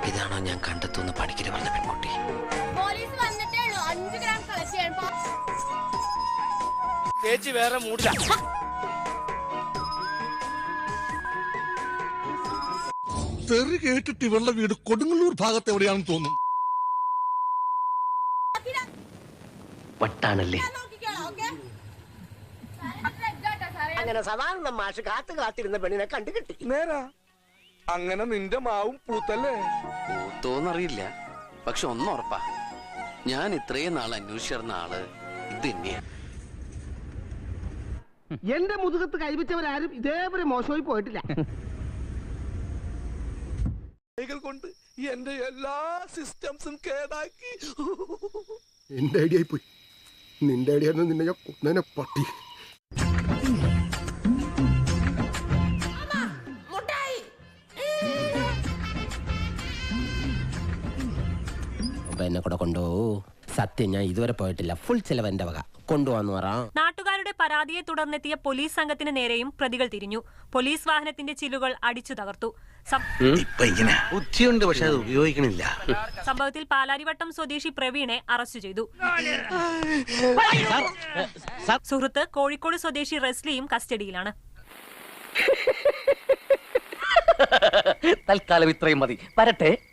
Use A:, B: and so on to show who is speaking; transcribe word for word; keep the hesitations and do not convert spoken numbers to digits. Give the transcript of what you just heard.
A: ഇതാണോ ഞാൻ കണ്ടെത്തുന്ന പണിക്കര് പറഞ്ഞ പെൺകുട്ടി?
B: ചേച്ചി വേറെ മൂടില്ല.
C: തെറി കേട്ടിട്ട് ഇവളുടെ വീട് കൊടുങ്ങല്ലൂർ ഭാഗത്ത് എവിടെയാണെന്ന് തോന്നുന്നു.
A: വട്ടാണല്ലേ?
D: അങ്ങനെ സാധാരണ മാഷ് കാത്തു കാത്തിരുന്ന പെണ്ണിനെ കണ്ടു കിട്ടി.
C: നേരാ, അങ്ങനെ നിന്റെ മാവും പൂത്തല്ലേ?
A: പൂത്തോന്നറിയില്ല, പക്ഷെ ഒന്നുറപ്പാ, ഞാൻ ഇത്രയും നാൾ അന്വേഷിച്ചിരുന്ന ആള് ഇത് തന്നെയാ.
D: എന്റെ മുതുകത്ത് കൈവച്ചവരാരും ഇതേപോലെ മോശമായി പോയിട്ടില്ല.
C: കൊണ്ട് എന്റെ എല്ലാ സിസ്റ്റംസും കേടാക്കി.
E: എന്റെ ഐഡിയ പോയി. നിന്റെ ഐഡിയ നിന്നെ ഞാൻ കൊന്നേനെ പട്ടി.
D: എന്നെ കൂടെ കൊണ്ടുപോകൂ. സത്യം, ഞാൻ ഇതുവരെ പോയിട്ടില്ല. ഫുൾ ചെലവ് എന്റെ വക. കൊണ്ടുപോകാന്ന് പറ.
F: നാട്ടുകാരുടെ പരാതിയെ തുടർന്നെത്തിയ പോലീസ് സംഘത്തിന് നേരെയും പ്രതികൾ തിരിഞ്ഞു. പോലീസ് വാഹനത്തിന്റെ ചില്ലുകൾ അടിച്ചു തകർത്തു.
A: ബുദ്ധിയുണ്ട്, പക്ഷെ അത് ഉപയോഗിക്കണില്ല.
F: സംഭവത്തിൽ പാലാരിവട്ടം സ്വദേശി പ്രവീണെ അറസ്റ്റ് ചെയ്തു. സുഹൃത്ത് കോഴിക്കോട് സ്വദേശി റെസ്ലിയും കസ്റ്റഡിയിലാണ്.
A: തൽക്കാലം ഇത്രയും മതി. വരട്ടെ.